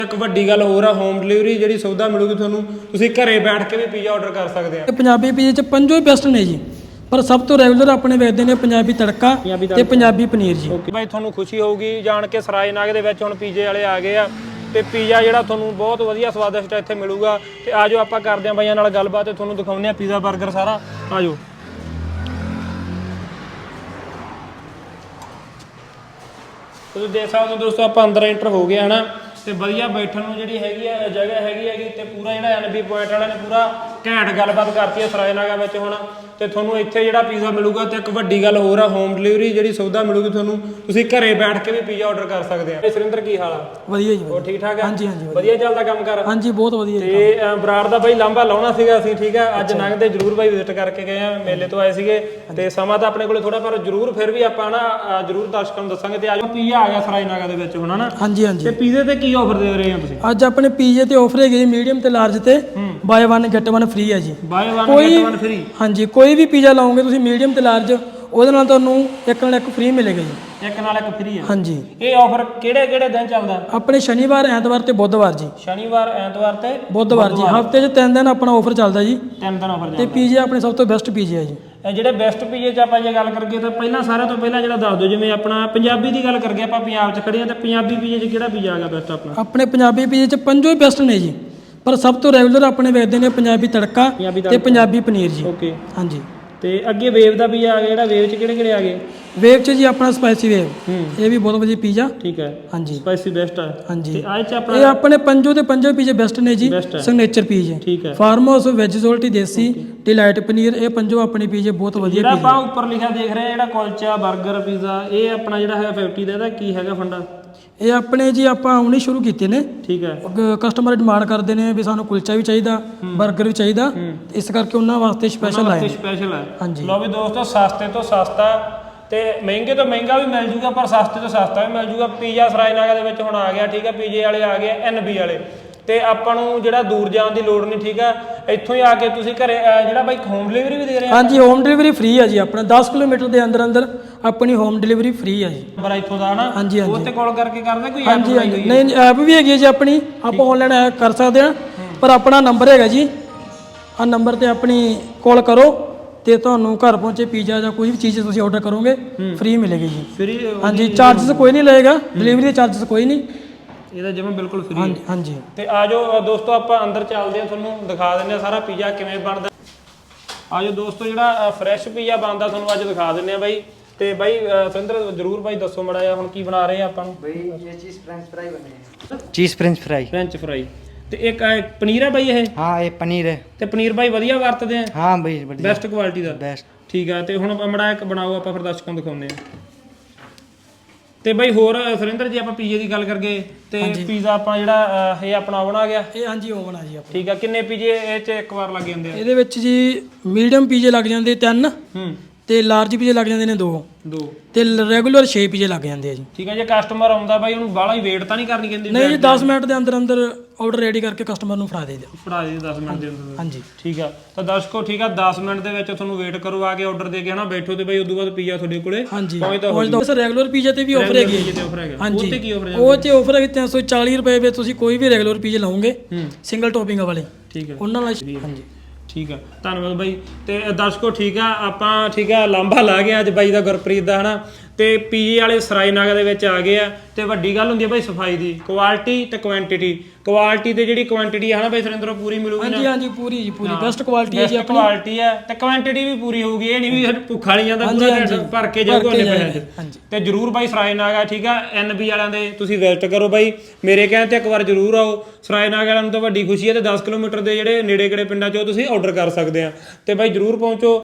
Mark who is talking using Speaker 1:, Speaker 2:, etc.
Speaker 1: ਇੱਕ ਵੱਡੀ ਗੱਲ ਹੋਰ ਆ, ਹੋਮ ਡਿਲੀਵਰੀ ਜਿਹੜੀ ਸੁਵਿਧਾ ਮਿਲੂਗੀ ਤੁਹਾਨੂੰ, ਤੁਸੀਂ ਘਰੇ ਬੈਠ ਕੇ ਵੀ ਪੀਜ਼ਾ ਆਰਡਰ ਕਰ ਸਕਦੇ ਆ।
Speaker 2: ਪੰਜਾਬੀ ਪੀਜ਼ੇ ਚ ਪੰਜੋ ਹੀ ਬੈਸਟ ਨੇ ਜੀ, ਪਰ ਸਭ ਤੋਂ ਰੈਗੂਲਰ ਆਪਣੇ ਵੇਚਦੇ ਨੇ ਪੰਜਾਬੀ ਤੜਕਾ ਤੇ ਪੰਜਾਬੀ ਪਨੀਰ ਜੀ।
Speaker 1: ਭਾਈ ਤੁਹਾਨੂੰ ਖੁਸ਼ੀ ਹੋਊਗੀ ਜਾਣ ਕੇ ਸਰਾਏ ਨਾਗ ਦੇ ਵਿੱਚ ਹੁਣ ਪੀਜ਼ੇ ਵਾਲੇ ਆ ਗਏ ਆ ਤੇ ਪੀਜ਼ਾ ਜਿਹੜਾ ਤੁਹਾਨੂੰ ਬਹੁਤ ਵਧੀਆ ਸਵਾਦਿਸ਼ਟ ਇੱਥੇ ਮਿਲੂਗਾ। ਤੇ ਆਜੋ ਆਪਾਂ ਕਰਦੇ ਆ ਬਾਈਆਂ ਨਾਲ ਗੱਲਬਾਤ ਤੇ ਤੁਹਾਨੂੰ ਦਿਖਾਉਂਦੇ ਆ ਪੀਜ਼ਾ 버ਗਰ ਸਾਰਾ। ਆਜੋ ਤੁਸੀਂ ਦੇਖ ਸਕਦੇ ਹੋ ਦੋਸਤੋ, ਆਪਾਂ ਅੰਦਰ ਐਂਟਰ ਹੋ ਗਏ ਹਨਾ ਤੇ ਵਧੀਆ ਬੈਠਣ ਨੂੰ ਜਿਹੜੀ ਹੈਗੀ ਆ ਜਗ੍ਹਾ ਹੈਗੀ ਤੇ ਪੂਰਾ ਜਿਹੜਾ NB ਪੁਆਇੰਟ ਵਾਲਿਆਂ ਨੇ ਪੂਰਾ ਘੈਂਟ ਗੱਲਬਾਤ ਕਰਤੀ ਹੈ ਸਰਾਏ ਨਾਗਾ ਵਿੱਚ ਹੁਣ। ਤੇ ਤੁਹਾਨੂੰ ਇੱਥੇ ਜਿਹੜਾ ਪੀਜ਼ਾ ਮਿਲੂਗਾ ਤੇ ਇੱਕ ਵੱਡੀ ਗੱਲ ਹੋਰ ਆ, ਹੋਮ ਡਿਲੀਵਰੀ ਜਿਹੜੀ ਸੁਵਿਧਾ ਮਿਲੂਗੀ ਤੁਹਾਨੂੰ, ਤੁਸੀਂ ਘਰੇ ਬੈਠ ਕੇ ਵੀ ਪੀਜ਼ਾ ਆਰਡਰ ਕਰ ਸਕਦੇ ਆ। ਸੁਰਿੰਦਰ ਕੀ ਹਾਲ ਆ?
Speaker 2: ਵਧੀਆ ਜੀ।
Speaker 1: ਹੋਰ ਠੀਕ ਠਾਕ ਆ?
Speaker 2: ਹਾਂਜੀ ਹਾਂਜੀ
Speaker 1: ਵਧੀਆ ਚੱਲਦਾ ਕੰਮ ਕਰ?
Speaker 2: ਹਾਂਜੀ ਬਹੁਤ ਵਧੀਆ।
Speaker 1: ਤੇ ਬਰਾੜ ਦਾ ਬਾਈ ਲਾਂਭਾ ਲਾਉਣਾ ਸੀਗਾ ਅਸੀਂ, ਠੀਕ ਆ, ਅੱਜ ਲੰਘਦੇ ਜਰੂਰ ਬਾਈ ਵਿਜ਼ਿਟ ਕਰਕੇ ਗਏ ਆ, ਮੇਲੇ ਤੋਂ ਆਏ ਸੀਗੇ ਤੇ ਸਮਾਂ ਤਾਂ ਆਪਣੇ ਕੋਲੇ ਥੋੜਾ, ਪਰ ਜਰੂਰ ਫਿਰ ਵੀ ਆਪਾਂ ਨਾ ਜਰੂਰ ਦਰਸ਼ਕਾਂ ਨੂੰ ਦੱਸਾਂਗੇ। ਤੇ ਅੱਜ ਪੀਜ਼ਾ ਆ ਗਿਆ ਸਰਾਏ ਨਾਗਾ ਦੇ ਵਿੱਚ ਹੁਣ ਹਨਾ।
Speaker 2: ਹਾਂਜੀ ਹਾਂਜੀ।
Speaker 1: ਤੇ ਪੀਜ਼ੇ ਤੇ ਕੀ ਆਫਰ ਦੇ ਰਹੇ ਹੋ ਤੁਸੀਂ?
Speaker 2: ਅੱਜ ਆਪਣੇ ਪੀਜ਼ੇ ਤੇ ਆਫਰ ਹੈਗੇ ਜੀ ਮੀਡੀਅਮ ਤੇ ਲਾਰਜ ਤੇ ਬਾਏ 1 ਗੈਟ 1 ਫ੍ਰੀ ਹੈ ਜੀ।
Speaker 1: Buy 1 get 1 free?
Speaker 2: ਹਾਂਜੀ, ਕੋਈ ਵੀ ਪੀਜ਼ਾ ਲਾਓਗੇ ਤੁਸੀਂ ਮੀਡੀਅਮ ਤੇ ਲਾਰਜ, ਉਹਦੇ ਨਾਲ ਤੁਹਾਨੂੰ ਇੱਕ ਨਾਲ ਇੱਕ ਫ੍ਰੀ ਮਿਲੇਗਾ ਜੀ।
Speaker 1: ਇੱਕ ਨਾਲ ਇੱਕ ਫ੍ਰੀ ਹੈ?
Speaker 2: ਹਾਂਜੀ।
Speaker 1: ਇਹ ਆਫਰ ਕਿਹੜੇ ਕਿਹੜੇ ਦਿਨ ਚੱਲਦਾ?
Speaker 2: ਆਪਣੇ ਸ਼ਨੀਵਾਰ, ਐਤਵਾਰ ਤੇ ਬੁੱਧਵਾਰ ਜੀ।
Speaker 1: ਸ਼ਨੀਵਾਰ, ਐਤਵਾਰ ਤੇ
Speaker 2: ਬੁੱਧਵਾਰ ਜੀ, ਹਫਤੇ 'ਚ 3 ਦਿਨ ਆਪਣਾ ਆਫਰ ਚੱਲਦਾ ਜੀ।
Speaker 1: 3 ਦਿਨ ਆਫਰ
Speaker 2: ਤੇ
Speaker 1: ਚੱਲਦਾ।
Speaker 2: ਪੀਜ਼ੇ ਆਪਣੇ ਸਭ ਤੋਂ ਬੈਸਟ ਪੀਜ਼ੇ ਆ ਜੀ।
Speaker 1: ਜਿਹੜੇ ਬੈਸਟ ਪੀਜ਼ੇ 'ਚ ਆਪਾਂ ਜੇ ਗੱਲ ਕਰੀਏ ਤਾਂ ਪਹਿਲਾਂ ਸਾਰਿਆਂ ਤੋਂ ਪਹਿਲਾਂ ਜਿਹੜਾ ਦੱਸ ਦਿਓ, ਜਿਵੇਂ ਆਪਣਾ ਪੰਜਾਬੀ ਦੀ ਗੱਲ ਕਰੀਏ, ਆਪਾਂ ਪੰਜਾਬ 'ਚ ਖੜੇ ਆ, ਤੇ ਪੰਜਾਬੀ ਪੀਜ਼ੇ 'ਚ ਕਿਹੜਾ ਪੀਜ਼ਾ ਆ ਗਿਆ ਬੈਸਟ ਆਪਣਾ?
Speaker 2: ਆਪਣੇ ਪੰਜਾਬੀ ਪੀਜ਼ੇ 'ਚ ਪੰਜੋ ਹੀ ਬੈਸਟ ਨੇ ਜੀ, ਪਰ ਸਭ ਤੋਂ ਰੈਗੂਲਰ ਆਪਣੇ ਵੇਚਦੇ ਨੇ ਪੰਜਾਬੀ ਤੜਕਾ ਤੇ ਪੰਜਾਬੀ ਪਨੀਰ ਜੀ।
Speaker 1: ਓਕੇ।
Speaker 2: ਹਾਂਜੀ।
Speaker 1: ਤੇ ਅੱਗੇ ਵੇਵ ਦਾ ਪੀਜ਼ਾ ਆ ਗਿਆ, ਜਿਹੜਾ ਵੇਵ 'ਚ ਕਿਹੜੇ ਕਿਹੜੇ ਆ ਗਏ?
Speaker 2: ਵੇਵ 'ਚ ਜੀ ਆਪਣਾ ਸਪਾਈਸੀ ਵੇਵ, ਇਹ ਵੀ ਬਹੁਤ ਵਧੀਆ ਪੀਜ਼ਾ।
Speaker 1: ਠੀਕ ਹੈ।
Speaker 2: ਹਾਂਜੀ।
Speaker 1: ਸਪਾਈਸੀ ਬੈਸਟ ਹੈ।
Speaker 2: ਹਾਂਜੀ।
Speaker 1: ਤੇ ਆਹ 'ਚ ਆਪਣਾ
Speaker 2: ਇਹ ਆਪਣੇ ਪੰਜੋ ਤੇ ਪੰਜੋ ਪੀਜ਼ੇ ਬੈਸਟ ਨੇ ਜੀ। ਸਿਗਨੇਚਰ ਪੀਜ਼ੇ,
Speaker 1: ਠੀਕ ਹੈ।
Speaker 2: ਫਾਰਮ ਹਾਊਸ, ਵੈਜ ਸੋਲਟੀ, ਦੇਸੀ, ਡਿਲਾਈਟ ਪਨੀਰ, ਇਹ ਪੰਜੋ ਆਪਣੇ ਪੀਜ਼ੇ ਬਹੁਤ ਵਧੀਆ।
Speaker 1: ਜਿਹੜਾ ਆਪਾਂ ਉੱਪਰ ਲਿਖਿਆ ਦੇਖ ਰਹੇ ਆ, ਜਿਹੜਾ ਕੁਲਚਾ, 버ਗਰ, ਪੀਜ਼ਾ, ਇਹ ਆਪਣਾ ਜਿਹੜਾ ਹੈਗਾ 50 ਦਾ, ਇਹਦਾ ਕੀ ਹੈਗਾ ਫੰਡਾ?
Speaker 2: ਇਹ ਆਪਣੇ ਜੀ ਆਪਾਂ ਹੁਣੇ ਸ਼ੁਰੂ ਕੀਤੇ ਨੇ।
Speaker 1: ਠੀਕ ਹੈ।
Speaker 2: ਕਸਟਮਰ ਡਿਮਾਂਡ ਕਰਦੇ ਨੇ ਵੀ ਸਾਨੂੰ ਕੁਲਚਾ ਵੀ ਚਾਹੀਦਾ, 버ਗਰ ਵੀ ਚਾਹੀਦਾ, ਇਸ ਕਰਕੇ ਉਹਨਾਂ ਵਾਸਤੇ ਸਪੈਸ਼ਲ ਆਇਆ।
Speaker 1: ਸਪੈਸ਼ਲ ਹੈ।
Speaker 2: ਹਾਂਜੀ।
Speaker 1: ਲਓ ਵੀ ਦੋਸਤੋ, ਸਸਤੇ ਤੋਂ ਸਸਤਾ ਤੇ ਮਹਿੰਗੇ ਤੋਂ ਮਹਿੰਗਾ ਵੀ ਮਿਲ ਜੂਗਾ, ਪਰ ਸਸਤੇ ਤੋਂ ਸਸਤਾ ਵੀ ਮਿਲ ਜੂਗਾ। ਪੀਜ਼ਾ ਸਰਾਏ ਨਾਗਾ ਦੇ ਵਿੱਚ ਹੁਣ ਆ ਗਿਆ, ਠੀਕ ਹੈ। ਪੀਜ਼ੇ ਵਾਲੇ ਆ ਗਏ, NB ਵਾਲੇ, ਤੇ ਆਪਾਂ ਨੂੰ ਜਿਹੜਾ ਦੂਰ ਜਾਣ ਦੀ ਲੋੜ ਨਹੀਂ, ਠੀਕ ਹੈ। ਇੱਥੋਂ ਹੀ ਆ ਕੇ ਤੁਸੀਂ ਘਰੇ ਜਿਹੜਾ ਬਾਈ ਹੋਮ ਡਿਲੀਵਰੀ ਵੀ ਦੇ ਰਹੇ ਆ?
Speaker 2: ਹਾਂਜੀ, ਹੋਮ ਡਿਲੀਵਰੀ ਫ੍ਰੀ ਹੈ ਜੀ। ਆਪਣਾ 10 ਕਿਲੋਮੀਟਰ ਦੇ ਅੰਦਰ ਅੰਦਰ ਆਪਣੀ ਹੋਮ ਡਿਲੀਵਰੀ ਫ੍ਰੀ ਹੈ ਜੀ।
Speaker 1: ਪਰ ਇੱਥੋਂ ਦਾ ਹਨਾ?
Speaker 2: ਹਾਂਜੀ ਹਾਂਜੀ।
Speaker 1: ਉਹ ਤੇ ਕਾਲ ਕਰਕੇ ਕਰਦਾ ਕੋਈ?
Speaker 2: ਹਾਂਜੀ ਹਾਂਜੀ। ਨਹੀਂ, ਐਪ ਵੀ ਹੈਗੀ ਹੈ ਜੀ ਆਪਣੀ, ਆਪਾਂ ਆਨਲਾਈਨ ਕਰ ਸਕਦੇ ਹਾਂ, ਪਰ ਆਪਣਾ ਨੰਬਰ ਹੈਗਾ ਜੀ, ਆਹ ਨੰਬਰ ਤੇ ਆਪਣੀ ਕਾਲ ਕਰੋ ਤੇ ਤੁਹਾਨੂੰ ਘਰ ਪਹੁੰਚੇ ਪੀਜ਼ਾ ਜਾਂ ਕੋਈ ਵੀ ਚੀਜ਼ ਤੁਸੀਂ ਆਰਡਰ ਕਰੋਗੇ ਫ੍ਰੀ ਮਿਲੇਗੀ ਜੀ।
Speaker 1: ਫ੍ਰੀ?
Speaker 2: ਹਾਂਜੀ। ਚਾਰਜਸ ਕੋਈ ਨਹੀਂ ਲਏਗਾ, ਡਿਲੀਵਰੀ ਦੇ ਚਾਰਜਸ ਕੋਈ ਨਹੀਂ,
Speaker 1: ਇਹਦਾ ਜਿਵੇਂ ਬਿਲਕੁਲ ਫ੍ਰੀ।
Speaker 2: ਹਾਂਜੀ ਹਾਂਜੀ।
Speaker 1: ਤੇ ਆਜੋ ਦੋਸਤੋ, ਆਪਾਂ ਅੰਦਰ ਚੱਲਦੇ ਹਾਂ, ਤੁਹਾਨੂੰ ਦਿਖਾ ਦਿੰਦੇ ਆ ਸਾਰਾ ਪੀਜ਼ਾ ਕਿਵੇਂ ਬਣਦਾ। ਆਜੋ ਦੋਸਤੋ, ਜਿਹੜਾ ਫਰੈਸ਼ ਪੀਜ਼ਾ ਬਣਦਾ ਤੁਹਾਨੂੰ ਅੱਜ ਦਿਖਾ ਦਿੰਦੇ ਆ ਬਾਈ। ਤੇ ਬਾਈ ਸੁਰਿੰਦਰ ਜਰੂਰ ਬਾਈ ਦੱਸੋ ਮੜਾ ਜਿਹਾ, ਹੁਣ ਕੀ ਬਣਾ ਰਹੇ ਆ ਆਪਾਂ ਨੂੰ?
Speaker 3: भाई ये चीज़ फ्रेंच फ्राई बने हैं। Cheese French fry.
Speaker 1: French fry ਤੇ ਇੱਕ ਪਨੀਰ ਹੈ ਬਾਈ ਇਹ?
Speaker 3: हाँ ये पनीर है।
Speaker 1: ਤੇ ਪਨੀਰ ਬਾਈ ਵਧੀਆ ਵਰਤਦੇ ਆ?
Speaker 3: हाँ भाई बढ़िया।
Speaker 1: ਬੈਸਟ ਕੁਆਲਿਟੀ ਦਾ?
Speaker 3: बेस्ट।
Speaker 1: ਠੀਕ ਆ। ਤੇ ਹੁਣ ਮੜਾ ਇੱਕ ਬਣਾਓ, ਆਪਾਂ ਫਿਰ ਦਰਸ਼ਕਾਂ ਨੂੰ ਦਿਖਾਉਂਦੇ ਆ। ਤੇ ਬਾਈ ਹੋਰ ਸੁਰਿੰਦਰ ਜੀ, ਆਪਾਂ ਪੀਜ਼ੇ ਦੀ ਗੱਲ ਕਰਗੇ ਤੇ ਪੀਜ਼ਾ ਆਪਾਂ ਜਿਹੜਾ ਇਹ ਆਪਣਾ ਓਵਨ ਆ ਗਿਆ?
Speaker 2: ਇਹ ਹਾਂਜੀ ਓਵਨ ਆ ਜੀ ਆਪਣਾ।
Speaker 1: ਠੀਕ ਆ। ਕਿੰਨੇ ਪੀਜ਼ੇ ਇਹ 'ਚ ਇੱਕ ਵਾਰ ਲੱਗ ਜਾਂਦੇ ਆ?
Speaker 2: ਇਹਦੇ ਵਿੱਚ ਜੀ ਮੀਡੀਅਮ ਪੀਜ਼ੇ ਲੱਗ ਜਾਂਦੇ 3, ਤੇ ਲਾਰਜ ਪੀਜ਼ੇ ਲੱਗ ਜਾਂਦੇ ਨੇ 2 ਤੇ ਰੈਗੂਲਰ 6 ਪੀਜ਼ੇ ਲੱਗ ਜਾਂਦੇ ਆ ਜੀ।
Speaker 1: ਠੀਕ ਹੈ। ਜੇ ਕਸਟਮਰ ਆਉਂਦਾ ਬਾਈ, ਉਹਨੂੰ ਬਾਹਲਾ ਹੀ ਵੇਟ ਤਾਂ ਨਹੀਂ ਕਰਨੀ ਕਹਿੰਦੀ?
Speaker 2: ਨਹੀਂ ਜੀ, 10 ਮਿੰਟ ਦੇ ਅੰਦਰ ਅੰਦਰ ਆਰਡਰ ਰੈਡੀ ਕਰਕੇ ਕਸਟਮਰ ਨੂੰ ਫੜਾ ਦੇ ਦਿਓ।
Speaker 1: ਫੜਾ ਦੇ 10 ਮਿੰਟ ਦੇ ਅੰਦਰ?
Speaker 2: ਹਾਂਜੀ।
Speaker 1: ਠੀਕ ਆ। ਤਾਂ ਦਰਸ਼ਕੋ, ਠੀਕ ਆ, 10 ਮਿੰਟ ਦੇ ਵਿੱਚ ਤੁਹਾਨੂੰ ਵੇਟ ਕਰੋ, ਆ ਕੇ ਆਰਡਰ ਦੇ ਕੇ ਹਨਾ ਬੈਠੋ ਤੇ ਬਾਈ ਉਦੋਂ ਬਾਅਦ ਪੀਜ਼ਾ ਤੁਹਾਡੇ ਕੋਲੇ
Speaker 2: ਪਹੁੰਚਦਾ। ਸਰ ਰੈਗੂਲਰ ਪੀਜ਼ੇ ਤੇ ਵੀ ਆਫਰ ਹੈਗੀ ਹੈ।
Speaker 1: ਹਾਂਜੀ। ਉਹ ਤੇ ਕੀ ਆਫਰ ਹੈ?
Speaker 2: ਉਹ ਤੇ ਆਫਰ ਹੈਗੀ 340 ਰੁਪਏ ਵਿੱਚ ਤੁਸੀਂ ਕੋਈ ਵੀ ਰੈਗੂਲਰ ਪੀਜ਼ੇ ਲਾਓਗੇ ਸਿੰਗਲ ਟੌਪਿੰਗ ਵਾਲੇ।
Speaker 1: ਠੀਕ ਹੈ।
Speaker 2: ਉਹਨਾਂ ਨਾਲ ਹਾਂਜੀ।
Speaker 1: ਠੀਕ ਆ, ਧੰਨਵਾਦ ਬਾਈ। ਤੇ ਦਰਸ਼ਕੋ, ਠੀਕ ਆ, ਆਪਾਂ ਠੀਕ ਆ ਲਾਂਭਾ ਲਾ ਗਿਆ ਅੱਜ ਬਾਈ ਦਾ, ਗੁਰਪ੍ਰੀਤ ਦਾ ਹਨਾ। ਤੇ ਪੀਜ਼ੇ ਵਾਲੇ ਸਰਾਏ ਨਾਗਾ ਦੇ ਵਿੱਚ ਆ ਗਏ ਆ। ਤੇ ਵੱਡੀ ਗੱਲ ਹੁੰਦੀ ਹੈ ਬਾਈ ਸਫਾਈ ਦੀ, ਕੁਆਲਿਟੀ ਤੇ ਕੁਆਂਟੀਟੀ। ਕੁਆਲਿਟੀ ਤੇ ਜਿਹੜੀ ਕੁਆਂਟੀਟੀ ਹੈ ਨਾ ਬਾਈ ਸੁਰਿੰਦਰੋਂ, ਪੂਰੀ ਮਿਲੂਗੀ ਨਾ?
Speaker 2: ਹਾਂਜੀ ਹਾਂਜੀ, ਪੂਰੀ ਜੀ ਪੂਰੀ ਬੈਸਟ ਕੁਆਲਿਟੀ ਹੈ ਜੀ ਆਪਣੀ।
Speaker 1: ਕੁਆਲਿਟੀ ਹੈ ਤੇ ਕੁਆਂਟੀਟੀ ਵੀ ਪੂਰੀ ਹੋਊਗੀ। ਇਹ ਨਹੀਂ ਵੀ ਭੁੱਖਾ ਨਹੀਂ ਜਾਂਦਾ, ਪੂਰਾ ਢਿੱਡ ਭਰ ਕੇ ਜਾਊਗਾ ਉਹਨੇ ਪੈਸੇ 'ਚ। ਤੇ ਜਰੂਰ ਬਾਈ ਸਰਾਏ ਨਾਗਾ, ਠੀਕ ਆ, NB ਵਾਲਿਆਂ ਦੇ ਤੁਸੀਂ ਵਿਜ਼ਿਟ ਕਰੋ ਬਾਈ। ਮੇਰੇ ਕਹਿਣ ਤੇ ਇੱਕ ਵਾਰ ਜਰੂਰ ਆਓ। ਸਰਾਏ ਨਾਗਾ ਵਾਲਿਆਂ ਨੂੰ ਤਾਂ ਵੱਡੀ ਖੁਸ਼ੀ ਹੈ, ਤੇ 10 ਕਿਲੋਮੀਟਰ ਦੇ ਜਿਹੜੇ ਨੇੜੇ ਕਿਹੜੇ ਪਿੰਡਾਂ 'ਚੋਂ ਤੁਸੀਂ ਆਰਡਰ ਕਰ ਸਕਦੇ ਆ। ਤੇ ਬਾਈ ਜਰੂਰ ਪਹੁੰਚੋ।